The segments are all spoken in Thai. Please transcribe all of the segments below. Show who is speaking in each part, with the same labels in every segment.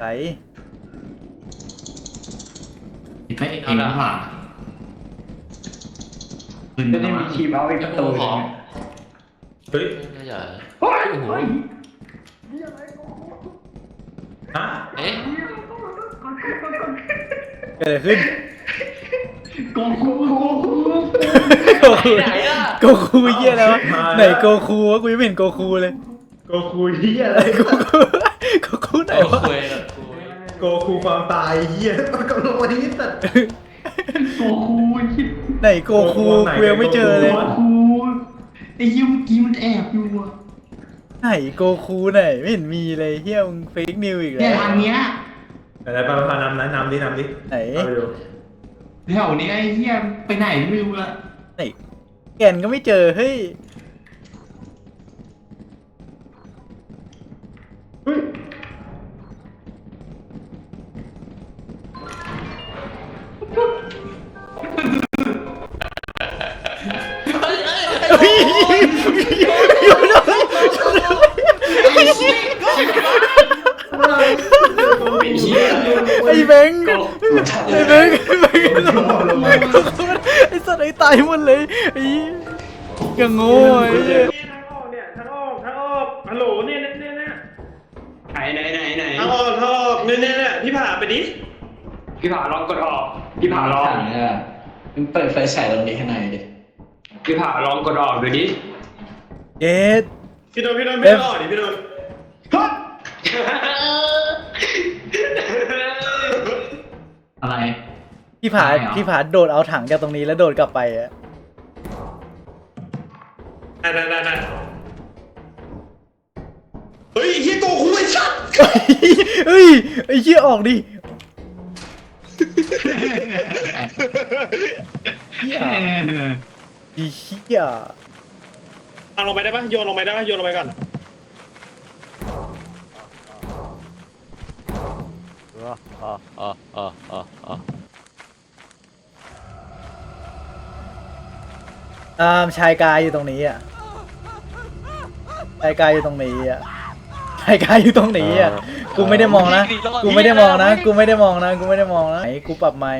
Speaker 1: ร
Speaker 2: ไปเองหรือเปล่า
Speaker 3: จะได้มีทีมเอาอีกประตู
Speaker 4: เฮ้ย
Speaker 5: ไม่ใช่
Speaker 3: โอ้ย
Speaker 5: โอ้โห
Speaker 4: ฮะ
Speaker 5: เอ๊ะ
Speaker 1: เกิดอะไรขึ้น
Speaker 3: โกคู
Speaker 1: โกคู
Speaker 5: ไหนอ่ะ
Speaker 1: โกคูเหี้ยแล้วะไหนโกคูวะกูยังไม่เห็นโกคูเลย
Speaker 4: โกคูเฮียอะไร
Speaker 1: โกคูโกคูไหน
Speaker 5: โอ้
Speaker 1: วะ
Speaker 5: คุยกับคุย
Speaker 4: โกคูความตายเฮียมันกำลังวันนี้สัตว์
Speaker 3: โกคูคิด
Speaker 1: ไหนโกคูกูยังไม่เจอเลย
Speaker 3: โกคูไอ้ยิ้มกี้มันแอบอยู่อะ
Speaker 1: ไหนโกคูไหนไม่เห็นมีเลยเฮียมึงเฟกนิวอีก
Speaker 3: เนี่
Speaker 1: แล้
Speaker 3: ยว ทางเนี้ย
Speaker 4: อะไรไปพานำนะนำดิ
Speaker 1: ไหน
Speaker 4: เอาไปดู
Speaker 3: แถวนี้ไอ้เหี้ยไปไหนไม่รู้ละ
Speaker 1: ไหนแกนก็ไม่เจอเฮ้ย
Speaker 4: เฮ้ย
Speaker 1: เฮ้ยอยู่เลยไอ้แบงค์ไอ้แบงค์ไอ้สัตว์ไอ้ตายหมดเลยไอ้ยังโง่ไอ้
Speaker 4: ทางออกเนี่ยทางออกฮัลโหลเนี่ยทางออกเนี่ยพี่ผ่าไปดิ
Speaker 3: พี่ผ่าลองกดออกพี่ผ่าลอง
Speaker 2: มึงเปิดไฟฉายตรงนี้ให้หน่อยดิ
Speaker 3: พี่ผ่าลองกดออกดูดิ
Speaker 1: เกด
Speaker 4: พี่โดนไม่ได้ออกดิพี่โดน
Speaker 2: อะไร
Speaker 1: พี่ผาโดดเอาถังจากตรงนี้แล้วโดดกลับไปอะ
Speaker 4: นั่นเฮ้ยเฮียโกคูไอ้สัตว์
Speaker 1: เฮ้ยไอ้เหี้ยออกดิเหี้ยไอ้เหี้ย
Speaker 4: เอาลงไปได้ปะโยนลงไปก่อน
Speaker 1: ชายกายอยู่ตรงนี้อ่ะชายกายอยู่ตรงนี้อ่ะชายกายอยู่ตรงนี้อ่ะกูไม่ได้มองนะกูไม่ได้มองนะไหนกูปรับไมค์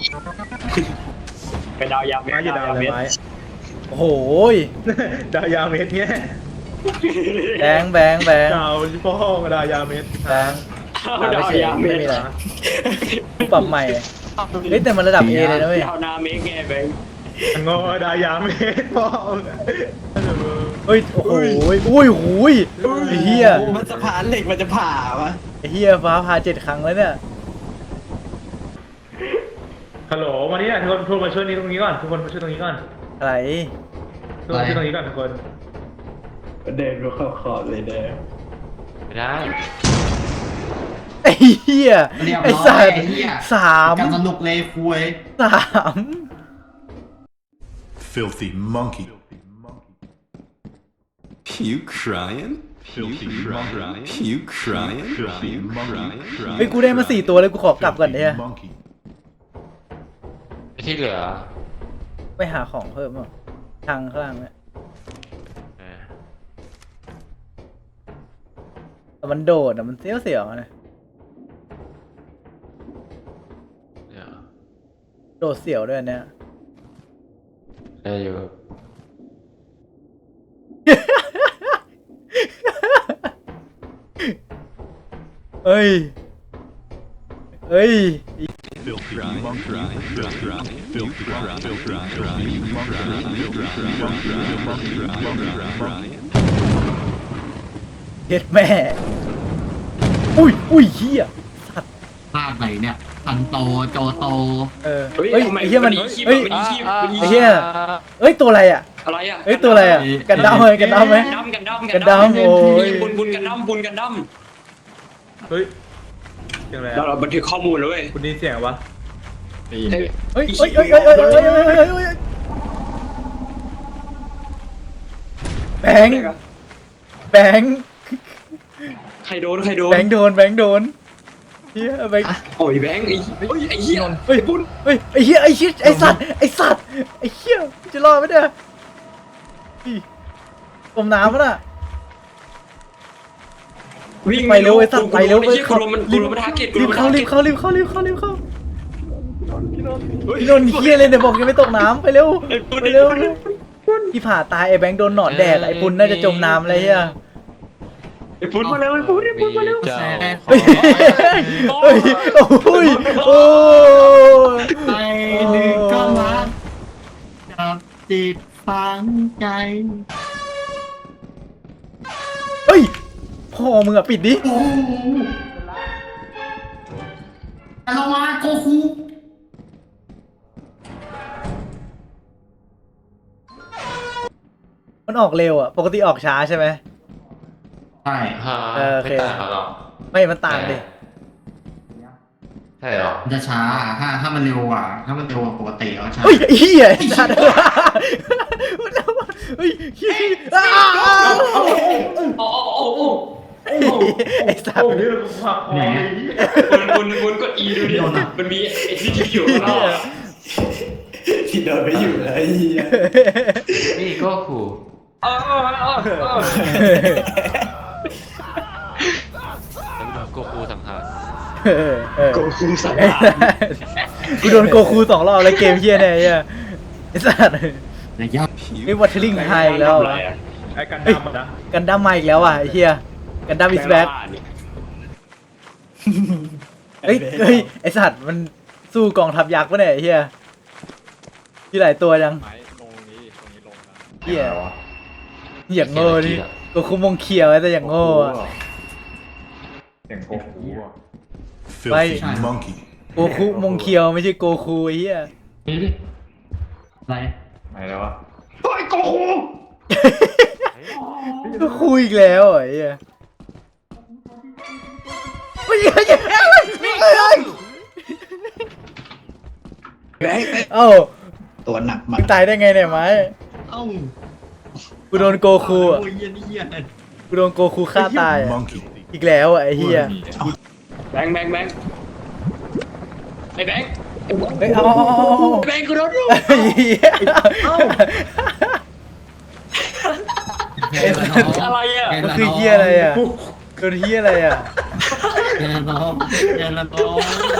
Speaker 3: เป็นดาวยาวเม
Speaker 4: มาอยู่ดาวเลยไม้
Speaker 1: โอ้โห
Speaker 4: ดาวยาวเมตรเนี่ย
Speaker 1: แบงค์
Speaker 4: ดาวพ่อดาวยาวเมตร
Speaker 1: แบงค์ไม่มีอะไรกูปรับใหม่เฮ้ยแต่มันระดับ A เลยนะเว้ย
Speaker 3: ดาวนาเมกไงแบงค์
Speaker 4: งอดาวยาวเมตรพ่อ
Speaker 1: เฮ้ยโอ้โหอุ้ยไอ้เหี้ย
Speaker 2: มันสะพานเหล็กมันจะผ่าวะ
Speaker 1: ไอ้เหี้ยฟ้าผ่า7 ครั้งแล้วเนี่ย
Speaker 4: ฮัลโหลวันนี้ทุกคนมาช่วยตรงนี้ก่อนทุกคนมาช่วยตรงนี้ก่อน
Speaker 1: อะไร
Speaker 4: ทุกคนช่วยตรงนี้ก่อนทุกคน
Speaker 2: เดินดูเข้าขอดเลยเด้อ
Speaker 5: ไม่ได้
Speaker 1: ไอ้เหี้ยไอ้สัตว์3
Speaker 2: กับสนุกเลยคุย
Speaker 6: Filthy monkey.
Speaker 7: You crying?
Speaker 6: Filthy monkey.
Speaker 7: You crying?
Speaker 6: Filthy monkey.
Speaker 1: เฮ้ยกูได้มา4 ตัวเลยกูขอกลับก่อนเนี่ย
Speaker 6: Filthy monkey.
Speaker 5: ที่เหลือ
Speaker 1: ไปหาของเพิ่มอ่ะทางข้างล่างเนี่ย
Speaker 5: เออ
Speaker 1: แต่มันโดดอ่ะมันเสียวนะ
Speaker 5: เดี๋ยว
Speaker 1: โดดเสียวด้วยเนี่ย
Speaker 5: ได้อยู่
Speaker 1: เฮ้ย
Speaker 6: Filthy monkey. Filthy monkey. Filthy monkey.
Speaker 1: เฮ็ดแม่ อุ้ยเหี้ย
Speaker 2: ภาคไหนเนี่ยอันโตโจโต
Speaker 1: เฮ้ยไอ้เหี้ยมันเฮ้ย ไอ้เหี้ย เฮ้ยตัวอะไรอ่ะ
Speaker 3: อะไรอ่ะ
Speaker 1: เฮ้ยตัวอะไรอ่ะกันดั้มไหม
Speaker 3: กันดั้ม
Speaker 1: โอ้ย
Speaker 3: บุญกันดั้ม
Speaker 4: เฮ้ยเสียงอะไร
Speaker 3: เราบันทึกข้อมูลแล้วเว้ย
Speaker 4: คุณได้ยินเสียงวะ
Speaker 1: เฮ้ยแบงค์
Speaker 3: ใครโดน
Speaker 1: แบงค์โดนเฮียแบงค์
Speaker 3: โอ้ยแบงค์ไอ้เหี้ย
Speaker 1: เฮ้ยบุญเฮ้ยไอ้เหี้ยไอ้สัตว์ไอ้เหี้ยจะรอดไหมเนี่ยจมน้ำป่ะน่ะ
Speaker 8: วิ่ง
Speaker 1: ไปเร็วไอ้สัตว์ไปเร็ว
Speaker 8: ไอ้เหี้ยกูโดนมันกูโดนมันทาร์เก็ตกู
Speaker 1: รี
Speaker 8: โด
Speaker 1: บ
Speaker 8: นมัน
Speaker 1: เข้า
Speaker 8: ทาร์
Speaker 1: รี
Speaker 8: เก็
Speaker 1: บ
Speaker 8: ต
Speaker 1: เข้ารีบเข้ารีบเข้ารีบเข้าพี่นนท์เฮียเลยเนี่ยบอกยังไม่ตกน้ำไปเร็วไปเร็วพี่ผ่าตายไอ้แบงค์โดนหนอนแดกไอ้ปุณน่าจะจมน้ำอะไรเงี้ย
Speaker 8: ไอ้ฟุ้นมาเร็วไอ้ฟุ้นไอ้ฟุ้นมาเร็ว
Speaker 5: เจ้า
Speaker 1: เฮ้ยเฮ้ยโอ้ยโอ้ย
Speaker 2: ไปหนึ่งก็รักจับจิตฝังใจ
Speaker 1: เฮ้ยพ่อมึงอะปิดดิ
Speaker 2: โอ้โหเรามาโกคู
Speaker 1: มันออกเร็วอะปกติออกช้าใช่ไหม
Speaker 2: ใช่
Speaker 5: ฮะ
Speaker 1: โอเค
Speaker 5: ไม่ต่างกันหรอก
Speaker 1: ไม่มันต่างดิ
Speaker 5: ใช่เหรอ
Speaker 2: มันจะช้าถ้ามันเร็วกว่าถ้ามันเร็วกว่าปกติก็ช้า
Speaker 1: เฮ้ยไอ้เหี้ยไอ้สัตว์เฮ้ยเหี้ยอ้าว ไอ้สัตว์
Speaker 4: โอ้ยกูผักคอเลย
Speaker 8: วนกด E ดูดิมันมีไอ้ที่อยู่ข้างนอกอะ
Speaker 9: ที่โดนไปอยู่เลย
Speaker 5: นี่ก็ขู่
Speaker 8: อ้าว
Speaker 5: แล้วก็ขู่สังหาร
Speaker 9: โกคูสัง
Speaker 1: ไอ้
Speaker 9: หาร
Speaker 1: สัตว์กูโดนโกคู2 รอบแล้วเกมเหี้ยเนี่ยไอ้เหี้ยไอ้สัตว์
Speaker 2: ระยะ
Speaker 1: ไอ้วัตเทอร์ลิงไฮอีกแล้ว
Speaker 4: ไอ้กันดำอะนะ
Speaker 1: กันดั้มมาอีกแล้วอ่ะไอ้เหี้ยกันดั้มอิสแบ็คเฮ้ยไอ้สัตว์มันสู้กองทัพยักษ์ปะเนี่ยไอ้เหี้ยที่หลายตัวจังเหี้ยอย่างโง่ดิโกคูมงเขียวแต่อย่างโง่อะ
Speaker 4: เสียงโกคูอะ
Speaker 6: Filthy monkey.
Speaker 1: โกคูมงเขียวไม่ใช่โกคูไอ้เหี้ย
Speaker 2: นี่ดิอะไร
Speaker 4: ไหนแล้ววะ
Speaker 1: โกคูอีกแล้วเหรอไอ้เหี้ยเฮ้ยเฮ้ยเฮ้ย
Speaker 9: แบงค์
Speaker 1: เอ้า
Speaker 9: ตัวหนักมา
Speaker 1: มึ
Speaker 9: ก
Speaker 1: งตายได้ไงเนี่ยไม้
Speaker 2: เอ้า
Speaker 1: กูโดนโกคูอ่ะ
Speaker 2: โอ้ยเหี้ยนี่เหี้ย
Speaker 1: กูโดนโกคูฆ่าตายอะ
Speaker 6: Monkey.
Speaker 1: อีกแล้วอ่ะไอ้เหี้ย
Speaker 8: แบงค์ไอ้แบงค์
Speaker 1: เฮ้ยเอา
Speaker 8: แบงค์กูโดนอยู่
Speaker 1: ไอ้เหี้ย
Speaker 8: อะไรอ่ะ
Speaker 1: มันคือเหี้ยอะไรอ่ะโดนเหี้ยอะไรอ่ะ
Speaker 2: แกน้องแกน้อง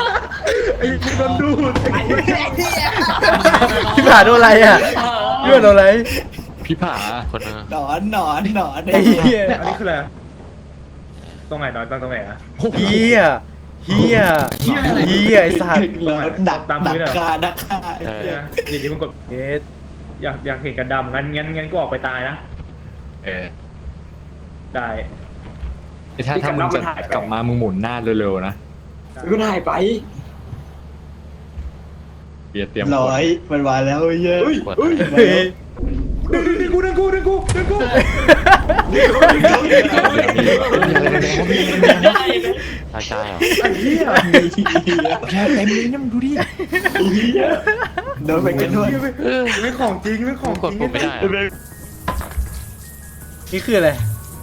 Speaker 1: พี่ผ่าโดนอะไรอ่ะพี่ผ่าโดนอะไร
Speaker 5: พี่ผาคนนึง
Speaker 9: หนอน
Speaker 1: ไอ้เหี้ย
Speaker 4: อันนี้คืออะไรตรงไหนนอนตรงไหนอะ
Speaker 1: เหี้ยเหี้ยเหี้ยไอ้สัตว์
Speaker 9: ดักคา
Speaker 5: เออ
Speaker 4: นี่ที่มึงกด
Speaker 1: เอ็ด
Speaker 4: อยากเห็นกันดำงั้นกูออกไปตายนะ
Speaker 5: เออ
Speaker 4: ได้
Speaker 8: ถ้ามึงจะกลับมามึงหมุนหน้าเร็วๆนะก็ได้ไปเบียร์เตรียม
Speaker 9: ร้อยมันมาแล้วเยอะ
Speaker 5: กด
Speaker 1: เฮ้ย
Speaker 4: ดึงกู
Speaker 5: ตายใจเหรอ
Speaker 4: ไอ้เหี้ย
Speaker 9: แค่เต็มเลยนะมึงดูดิโดนไปกันด้วย
Speaker 4: ไม่ของจริงไม่ของ
Speaker 5: กด
Speaker 4: จริง
Speaker 5: ปุ่มไม่ได้อะ
Speaker 1: นี่คืออะไร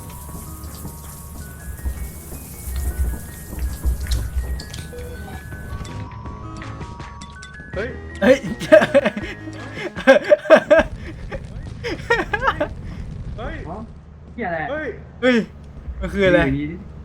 Speaker 4: เฮ้ย
Speaker 1: เฮ้ย
Speaker 4: เฮ้ย
Speaker 2: เหี้ยอะไร
Speaker 4: เฮ้ย
Speaker 1: เฮ้ยมันคืออะไร